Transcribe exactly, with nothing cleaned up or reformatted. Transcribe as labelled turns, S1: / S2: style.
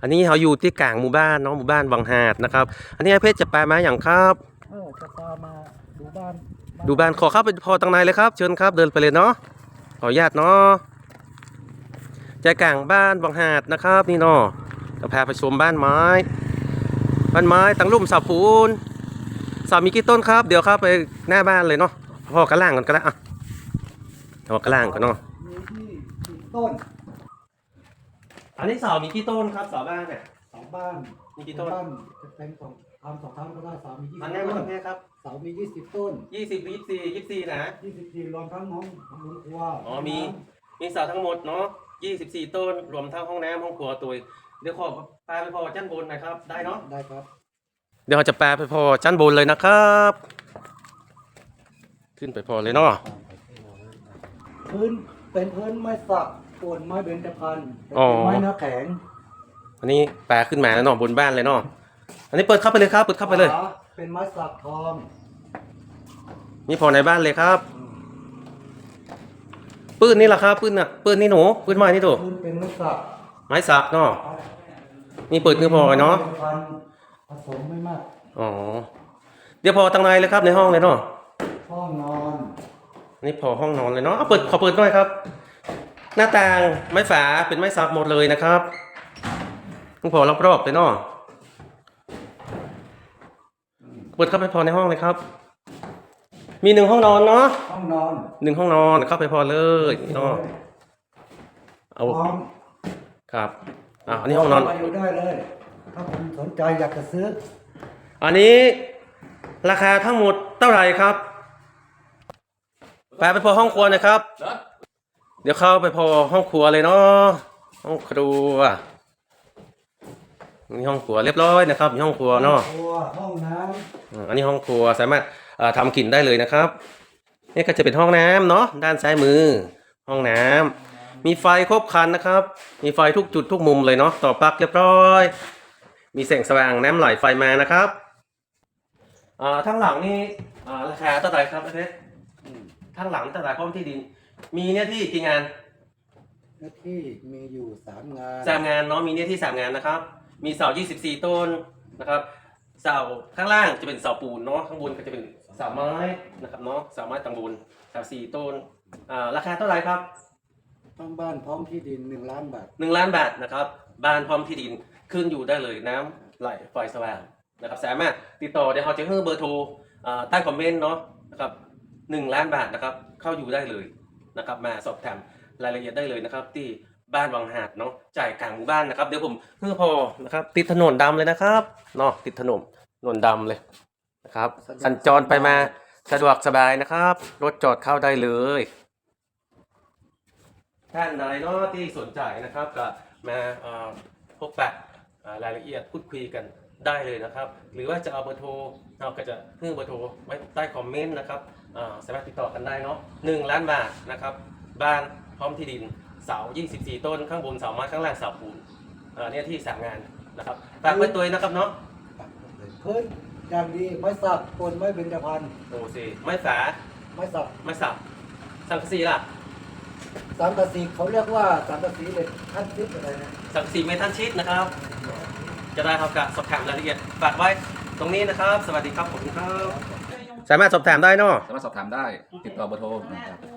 S1: อันนี้เขาอยู่ที่กลางหมู่บ้านเนาะหมู่บ้านวังหาดนะครับอันนี้ไอ้เพชรจะไปมาอย่างครับ
S2: เออจะพามาดูบ้าน
S1: ดูบ้านขอเข้าไปพอตังในเลยครับเชิญครับเดินไปเลยเนาะขออนุญาตเนาะใจกลางบ้านวังหาดนะครับนี่เนาะจะพาไปชมบ้านไม้บ้านไม้ตั้งลุ่มเสาปูนเสามีกี่ต้นครับเดี๋ยวเข้าไปหน้าบ้านเลยเนาะพอกระล่างกันก็ได้อะพอกระล่างกันเนาะ
S2: มีที่สิบต้น
S1: อันนี้เสามีกี่ต้นครับเสาบ้านเนี่ย
S2: สองบ้าน
S1: มีกี่ต้น
S2: บ้านจะเป็นสองทำสองครั้งก็ได้เสามียี่
S1: อั
S2: สิ
S1: น
S2: บ
S1: นี้
S2: ต้
S1: มัน
S2: น
S1: แค่ครับ
S2: เสามียี่สิบต้น
S1: ยี่สิบยี่สิบสี่ยี่สิบสี่นะ
S2: ยี่สิบสี่รวมทั้งห้องห้องครัว
S1: อ๋อมีมีเสาทั้งหมดเนาะยี่สิบสี่ต้นรวมทั้งห้องน้ำห้องครัวตัวเดี๋ยวขอปลาไปพอชั้นบนหน่อยครับได้เนาะ
S2: ได้ครับ
S1: เดี๋ยวเราจะแปลไปพอชั้นบนเลยนะครับ ขึ้นไปพอเลยเนาะ
S2: พื้นเป็นพื้นไม้สักปูนไม้เบญจพรรณ
S1: อ๋อ
S2: เป็นไม้เนื้อแข็ง
S1: อันนี้แปลขึ้นมาแล้วเนาะบนบ้านเลยเนาะอันนี้เปิดเข้าไปเลยครับเปิดเข้าไปเลย
S2: ฝเป็นไม้สักทอง
S1: นี่พอในบ้านเลยครับปืนนี่แหละครับปืนน่ะปืนนี่หนูปืนไม้นี่ถูก
S2: พื้นเป็นไม้สัก
S1: ไม้สักเนาะนี่เปิดคือพอเนาะ
S2: ไม้บญจพรรณผสมไม่มาก
S1: อ๋อเดี๋ยวพอตังในเลยครับในห้องเลยเนาะ
S2: ห้องนอน
S1: นี่พอห้องนอนเลยเนาะเอาเปิดขอเปิดหน่อยครับ หน้าต่างไม้ฝาเป็นไม้สักหมดเลยนะครับต้องพอรอบๆเลยเนาะเปิดเข้าไปพอในห้องเลยครับ มีหนึ่งห้องนอนเนาะ
S2: ห้องนอน
S1: หนึ่งห้องนอนเข้าไปพอเลยเนาะเอา
S2: พร้อม
S1: ครับอ่ะอันนี้ห้องนอน
S2: มาอยู่ได้เลย ถ้าคุณสนใจอยากจะซื้อ
S1: อันนี้ราคาทั้งหมดเท่าไหร่ครับไปไปพอห้องครัวนะครับ เดี๋ยวเข้าไปพอห้องครัวเลยเนาะห้องครัวนี่ห้องครัวเรียบร้อยนะครับมีห้องครัวเนาะ
S2: ครัวห้องน้
S1: อืมอันนี้ห้องครัวสามารถเอ่อทำกินได้เลยนะครับนี่ก็จะเป็นห้องน้ำเนาะด้านซ้ายมือ ห้องน้ำมีไฟครบครันนะครับ มีไฟทุกจุดทุกมุมเลยเนาะต่อปลั๊กเรียบร้อย มีแสงสว่างน้ำไหลไฟมานะครับอ่าทั้งหลังนี่อ่าราคาเท่าไหร่ครับอาเพชร
S2: ำอืม
S1: ทั้งหลังเท่าไหร่พร้อมที่ดิน มีเนี่ยที่กี่งาน
S2: เนื้อที่มีอยู่สามงาน
S1: สามงานเนาะมีเนี่ยที่สามงานนะครับ มีเสายี่สิบสี่ต้นนะครับ เสาข้างล่างจะเป็นเสาปูนเนาะข้างบนก็จะเป็นเสาไม้นะครับเนาะเสาไม้ตังบุญเสาสี่ต้นอ่าราคาเท่าไหร่ครับ
S2: ทั้งบ้านพร้อมที่ดินหนึ่งล้านบาท
S1: หนึ่งล้านบาทนะครับบ้านพร้อมที่ดินขึ้นอยู่ได้เลยน้ำไหลไฟสว่างนะครับสามารถติดต่อเดี๋ยวเขาจะให้เบอร์โทรอ่าใต้คอมเมนต์เนาะนะครับหนึ่งล้านบาทนะครับเข้าอยู่ได้เลยนะครับมาสอบถามรายละเอียดได้เลยนะครับที่บ้านวังหาดเนาะจ่ายกลางหมู่บ้านนะครับเดี๋ยวผมเพื่อพอนะครับติดถนนดำเลยนะครับเนาะติดถนนถนนดำเลยนะครับสัญจรไปมาสะดวกสบายนะครับรถจอดเข้าได้เลยท่านใดเนาะที่สนใจนะครับก็มาเอ่อพบปะเอ่อรายละเอียดพูดคุยกันได้เลยนะครับ หรือว่าจะเอาเบอร์โทรเราก็จะเพิ่มเบอร์โทรไว้ใต้คอมเมนต์นะครับอ่าสามารถติดต่อกันได้เนาะหนึ่งล้านบาทนะครับบ้านพร้อมที่ดินเสายี่สิบสี่ต้นข้างบนเสาไม้ข้างล่างเสาปูนอ่าเนี่ยที่สามงานนะครับฝากไว้ตัวนะครับเนาะ
S2: พื้นอย่างดีไม้สักปูนไม้เบญจพรรณ
S1: โอ้สิไม้ฝา
S2: ไม้สัก
S1: ไม้สับสังกะสีล่ะ
S2: สังกะสีเขาเรียกว่าสังกะสีเหล็กขั้นทิพย์อะไรนะ
S1: สังกะสีเมทัลชีตนะครับ จะได้ครับกับสอบถามรายละเอียดฝากไว้ตรงนี้นะครับ สวัสดีครับผมครับสามารถสอบถามได้เนาะ
S3: สามารถสอบถามได้ ติดต่อเบอร์โทรนะครับ